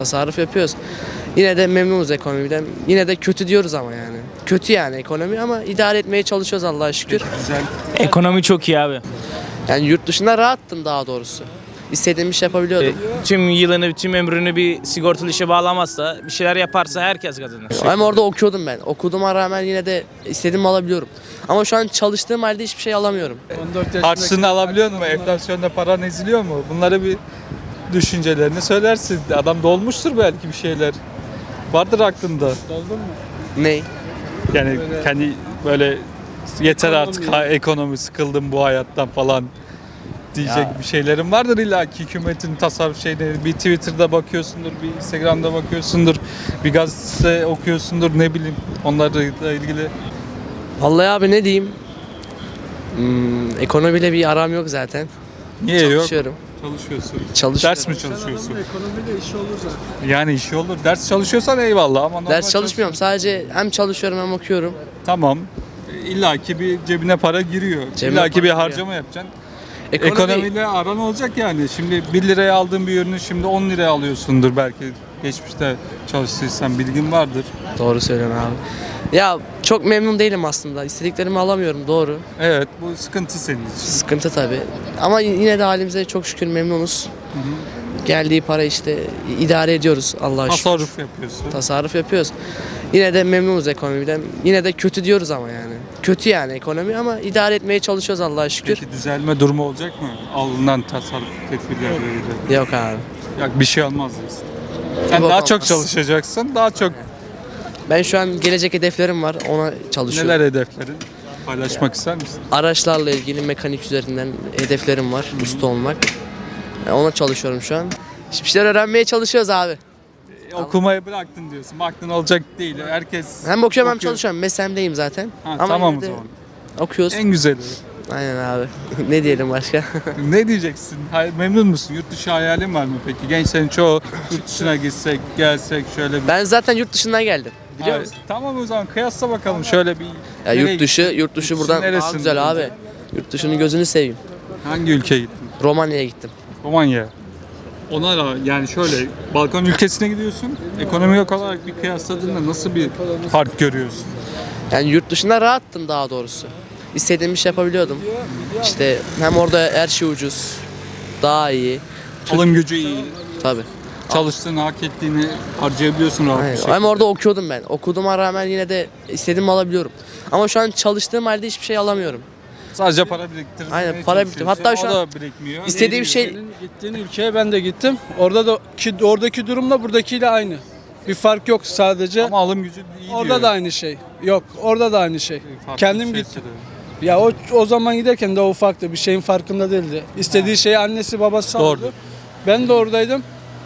Tasarruf yapıyoruz. Yine de memnunuz ekonomiden. Yine de kötü diyoruz ama yani. Kötü yani ekonomi ama idare etmeye çalışıyoruz Allah'a şükür. Güzel. Ekonomi çok iyi abi. Yani yurt dışında rahattım daha doğrusu. İstediğim iş yapabiliyordum. Tüm yılını, tüm ömrünü bir sigortalı işe bağlamazsa, bir şeyler yaparsa herkes kazanır. Ama orada okuyordum ben. Okuduğuma rağmen yine de istediğimi alabiliyorum. Ama şu an çalıştığım halde hiçbir şey alamıyorum. Harçlığını alabiliyor mu? Enflasyonda paran eziliyor mu? Bunları bir düşüncelerini söylersin. Adam dolmuştur belki bir şeyler. Vardır aklında. Ney? Yani kendi böyle yeter artık ekonomi sıkıldım bu hayattan falan diyecek Ya. bir şeylerin vardır illa ki hükümetin tasarruf şeyleri. Bir Twitter'da bakıyorsundur, bir Instagram'da bakıyorsundur, bir gazete okuyorsundur ne bileyim onlarla ilgili. Vallahi abi ne diyeyim? Ekonomiyle bir aram yok zaten. Niye yok? Çalışıyorum. Çalışıyorsun. Çalışıyorum. Ders mi çalışıyorsun? Ekonomide işi olur zaten. Yani işi olur. Ders çalışıyorsan eyvallah ama normal Ders çalışmıyorum. Sadece hem çalışıyorum hem okuyorum. Tamam. İlla ki bir cebine para giriyor. Cebime İlla ki para bir giriyor. harcama yapacaksın. Ekonomiyle aran olacak yani. Şimdi 1 liraya aldığın bir ürünü şimdi 10 liraya alıyorsundur belki. Geçmişte çalıştıysan bilgin vardır. Doğru söylüyorsun abi. Ya çok memnun değilim aslında. İstediklerimi alamıyorum doğru. Evet bu sıkıntı senin için. Sıkıntı tabii. Ama yine de halimize çok şükür memnunuz. Geldiği para işte idare ediyoruz Allah'a şükür. Tasarruf yapıyorsun. Tasarruf yapıyoruz. Yine de memnunuz ekonomiden. Yine de kötü diyoruz ama yani. Kötü yani ekonomi ama idare etmeye çalışıyoruz Allah'a şükür. Peki düzelme durumu olacak mı? Alınan tasarruf tedbirleriyle. Yok abi. Ya bir şey olmaz diyorsun. Sen Yok, daha çok olmaz. çalışacaksın. Daha çok Ben şu an gelecek hedeflerim var. Ona çalışıyorum. neler hedeflerin? Paylaşmak ister misin? Araçlarla ilgili mekanik üzerinden hedeflerim var. Usta olmak. Ona çalışıyorum şu an. Bir şeyler öğrenmeye çalışıyoruz abi. Okumayı bıraktın diyorsun. Baktın olacak değil. Herkes Hem okuyorum hem okuyor. çalışıyorum. Mesleğimdeyim zaten. Ha, Ama tamam yine o de zaman. okuyoruz. En güzeli. Aynen abi. Ne diyelim başka? Ne diyeceksin? Memnun musun? Yurt dışı hayalin var mı peki? Gençlerin çoğu yurt dışına gitsek, gelsek şöyle bir... Ben zaten yurt dışından geldim. Biliyor Hayır, musun? tamam o zaman kıyasla bakalım şöyle bir... Ya Nereye yurt dışı gittin? buradan daha neresinde güzel abi. olacak? Yurt dışının gözünü seveyim. Hangi ülkeye gittin? Romanya'ya gittim. Romanya. Ona da yani şöyle Balkan ülkesine gidiyorsun. Ekonomik olarak bir kıyasladığında nasıl bir fark görüyorsun? Yani yurt dışında rahattım daha doğrusu. İstediğim iş yapabiliyordum. İşte hem orada her şey ucuz. Daha iyi. Alım gücü iyi. Tabii. Çalıştığını, hak ettiğini harcayabiliyorsun rahat bir Aynen. şekilde. Hem orada okuyordum ben. Okuduğuma rağmen yine de istediğimi alabiliyorum. Ama şu an çalıştığım halde hiçbir şey alamıyorum. Sadece para biriktirmeye Aynen, para çalışıyorsun. biriktir. Hatta şu o an da birikmiyor. İstediğim şey Senin gittiğin ülkeye ben de gittim. Oradaki durumla buradakiyle aynı. Bir fark yok sadece. Ama alım gücü iyi Orada diyor. da aynı şey. Yok, orada da aynı şey. Farklı Kendim bir şey gittim. söylüyor. Ya o zaman giderken de ufaktı. Bir şeyin farkında değildi. İstediği şeyi annesi babası Doğru. aldı. Ben de oradaydım.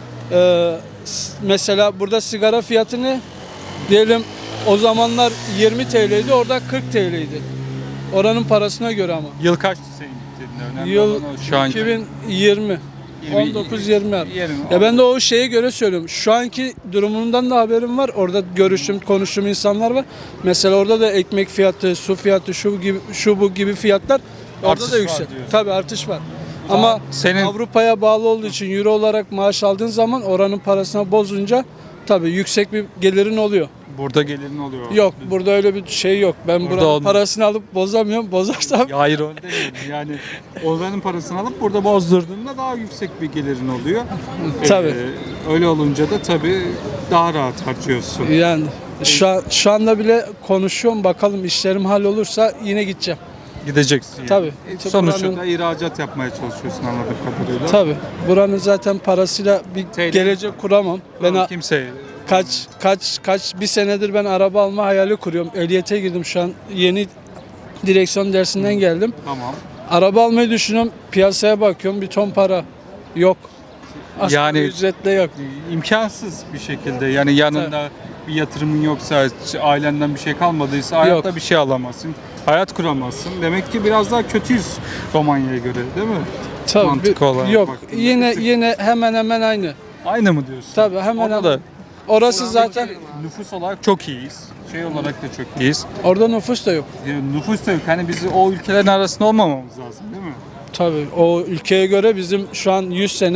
Mesela burada sigara fiyatı ne? Diyelim o zamanlar 20 TL'ydi, orada 40 TL'ydi. Oranın parasına göre ama. Yıl kaçtı senin gittiğinde? Önemli Yıl olan o şu anki. 2020. 19-20. Yerim. Ya ben de o şeye göre söylüyorum. Şu anki durumundan da haberim var. Orada konuştuğum insanlar var. Mesela orada da ekmek fiyatı, su fiyatı, şu bu gibi fiyatlar orada Artış da var yüksek. diyorsun. Tabii artış var. Ama senin- Avrupa'ya bağlı olduğu için euro olarak maaş aldığın zaman oranın parasına bozunca tabii yüksek bir gelirin oluyor. Burada gelirin oluyor. Yok, burada öyle bir şey yok. Ben Burada buranın olmuyor. parasını alıp bozarsam Ya hayır öyle değil. Yani oranın parasını alıp burada bozdurduğunda daha yüksek bir gelirin oluyor. Tabii. Öyle olunca da tabii daha rahat harcıyorsun. yani şu anda bile konuşuyorum. Bakalım işlerim hallolursa yine gideceğim. Gideceksin yani. Tabii. Sonuçta Buranın- da ihracat yapmaya çalışıyorsun anladığım kadarıyla. Tabii. Buranın zaten parasıyla bir TL. gelecek kuramam. Ben Kimse bir senedir ben araba alma hayali kuruyorum. Ehliyete girdim şu an. Yeni direksiyon dersinden geldim. tamam. Araba almayı düşünüyorum. Piyasaya bakıyorum. Bir ton para yok. Asgari Yani- ücretle yok. İmkansız bir şekilde yani yanında bir yatırımın yoksa, ailenden bir şey kalmadıysa hayatta Yok. bir şey alamazsın. Hayat kuramazsın. Demek ki biraz daha kötüyüz Romanya'ya göre değil mi? Tabii. Mantık olarak yok. baktığında Yine bir tık- hemen hemen aynı. Aynı mı diyorsun? Tabii hemen Orada hemen. da Orası zaten nüfus olarak çok iyiyiz. Şey olarak da çok iyiyiz. orada nüfus da yok. Nüfus da yok. Hani biz o ülkelerin arasında olmamamız lazım değil mi? Tabii o ülkeye göre bizim şu an 100 sene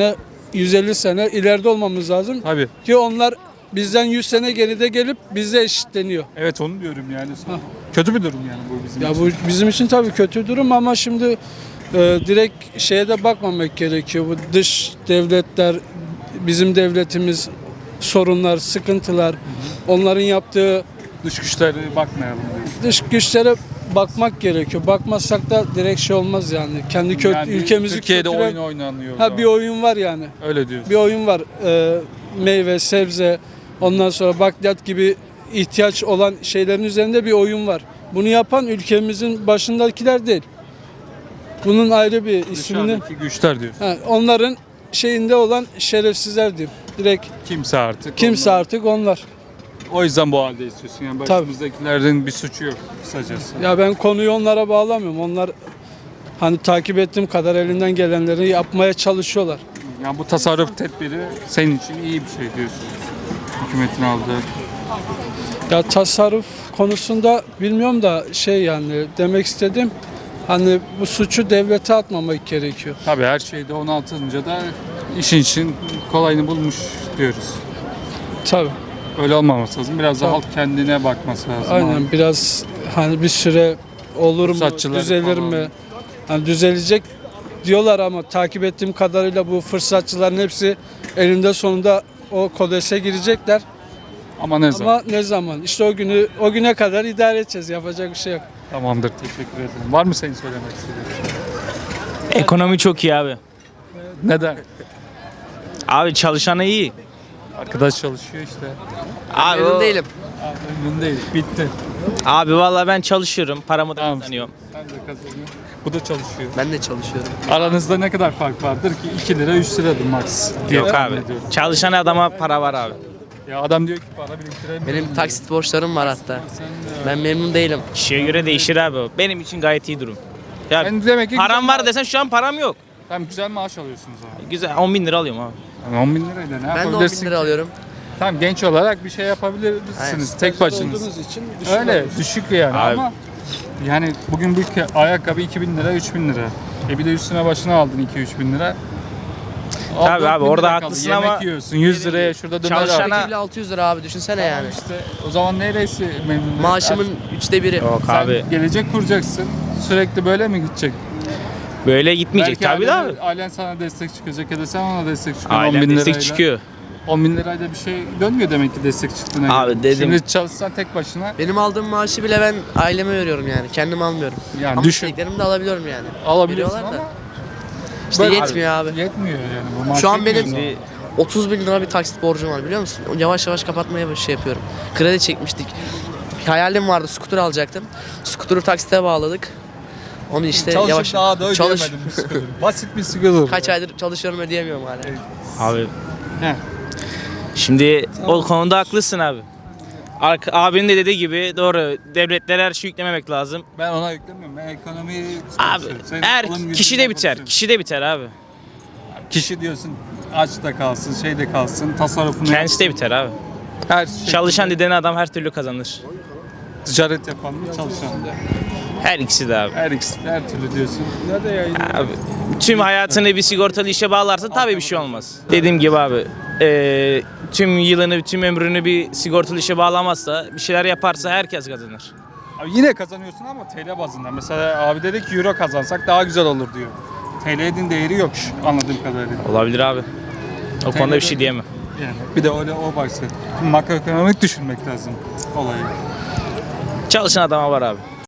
150 sene ileride olmamız lazım Tabii. ki onlar bizden 100 sene geride gelip bizle eşitleniyor. Evet onu diyorum yani. Kötü bir durum yani bu bizim Ya için. bu bizim için tabii kötü durum ama şimdi direkt şeye de bakmamak gerekiyor. Bu dış devletler, bizim devletimiz sorunlar, sıkıntılar, onların yaptığı Dış güçlere bakmayalım diyorsun. dış güçlere bakmak gerekiyor. Bakmazsak da direkt şey olmaz yani. Kendi Yani ülkemizi Türkiye'de kötüle- oyun oynanıyor. o Ha zaman. bir oyun var yani. Öyle diyorsun. Bir oyun var. Meyve, sebze, ondan sonra bakliyat gibi ihtiyaç olan şeylerin üzerinde bir oyun var. Bunu yapan ülkemizin başındakiler değil. Bunun ayrı bir ismini, Dışarıdaki güçler diyorsun. onların şeyinde olan şerefsizler diyeyim. Direkt Kimse artık. kimse artık onlar. O yüzden bu halde istiyorsun. Yani Tabii. başımızdakilerin bir suçu yok kısacası. Ya ben konuyu onlara bağlamıyorum. Onlar hani takip ettiğim kadar elinden gelenleri yapmaya çalışıyorlar. Yani bu tasarruf tedbiri senin için iyi bir şey diyorsun. Hükümetin aldığı. Ya tasarruf konusunda bilmiyorum da şey yani demek istedim. Hani bu suçu devlete atmamak gerekiyor. Tabii her şeyde 16'ınca da işin için kolayını bulmuş diyoruz. Tabii. Öyle olmaması lazım. Biraz da Tabii. halk kendine bakması lazım. Aynen biraz hani bir süre olur mu, Fırsatçıları düzelir falan. mi? Hani düzelecek diyorlar ama takip ettiğim kadarıyla bu fırsatçıların hepsi elinde sonunda o kodese girecekler. Ama ne zaman? Ama ne zaman? İşte o güne kadar idare edeceğiz. Yapacak bir şey yok. Tamamdır. Teşekkür ederim. Var mı senin söylemek istediğin? Ekonomi çok iyi abi. Neden? Abi çalışanı iyi. Arkadaş çalışıyor işte. Abi, Memnun değilim. Memnun değil. Bitti. Abi vallahi ben çalışıyorum. Paramı da Tamam. kazanıyorum. Sen de kazanıyorsun. Bu da çalışıyor. Ben de çalışıyorum. Aranızda ne kadar fark vardır ki? 2 lira 3 liradır max. diye Yok tahmin abi. ediyorum. Çalışan adama para var abi. Ya adam diyor ki para biriktiremiyorum. Benim taksit borçlarım var hatta. Ben memnun değilim. Kişiye göre değişir abi o. Benim için gayet iyi durum. Ya Ben demek ki param güzel var desen şu an param yok. Tamam güzel maaş alıyorsunuz abi. Güzel 10 bin lira alıyorum abi. Yani 10 bin lirayla ne Ben de 10 yapabilirsin? bin lira alıyorum. Tamam genç olarak bir şey yapabilirsiniz Aynen. tek başınız. Olduğunuz için Öyle düşük yani Abi. ama yani bugün bu ayakkabı 2000 lira 3000 lira. Bir de üstüne başına aldın 2-3 bin lira. Al, Tabii 4 abi, bin orada lira kaldı. haklısın Yemek ama yiyorsun 100 liraya şurada döner Çalışana- al. Peki bile 600 lira abi düşünsene yani. İşte o zaman neresi memnun? Maaşımın 3'te biri. Yok Sen abi. gelecek kuracaksın. Sürekli böyle mi gidecek? Böyle gitmeyecek tabii de abi. Ailen sana destek çıkacak ya da sen ona destek çıkıyorsun 10 Ailem bin destek lirayla. çıkıyor. 10 bin lirayla bir şey dönmüyor demek ki destek çıktığına Abi göre. dedim- Şimdi çalışsan tek başına Benim aldığım maaşı bile ben aileme veriyorum yani. Kendim almıyorum. yani Ama düşün. istediklerimi de alabiliyorum yani. Alabiliyorsun Veriyorlar da. ama İşte Böyle- yetmiyor abi. yetmiyor yani. Bu maaş Şu an yetmiyor benim sana. 30 bin lira bir taksit borcum var biliyor musun? Yavaş yavaş kapatmaya şey yapıyorum. Kredi çekmiştik. Hayalim vardı, skuter alacaktım. Skuter'ı taksite bağladık. Onu işte Çalışıp yavaş daha da çalış. ödeyemedim bir sıkıntı. Basit bir sıkıntı. Kaç aydır çalışıyorum ödeyemiyorum hala. Abi He. şimdi o konuda haklısın abi. Abinin de dediği gibi doğru. Devletlere her şeyi yüklememek lazım. Ben ona yüklemiyorum. Ben ekonomiyi Abi konuşuyorum. Senin her alım gücünle kişi de biter. konuşuyorum. Kişi de biter abi. Kişi diyorsun aç da kalsın, şey de kalsın, tasarrufunu Kendisi de biter abi. her şey. Çalışan dediğin adam her türlü kazanır. Ticaret yapan mı, çalışan mı? Her ikisi de abi. Her ikisi de her türlü diyorsun. Abi, tüm hayatını bir sigortalı işe bağlarsa tabii bir şey olmaz. Dediğim gibi abi tüm yılını, tüm ömrünü bir sigortalı işe bağlamazsa, bir şeyler yaparsa herkes kazanır. Abi yine kazanıyorsun ama TL bazında. Mesela abi dedi ki euro kazansak daha güzel olur diyor. TL'nin değeri yok anladığım kadarıyla. Olabilir abi. O konuda bir şey diyemem. Yani bir de öyle o başka. Makroekonomik düşünmek lazım olayı. Çalışan adama var abi.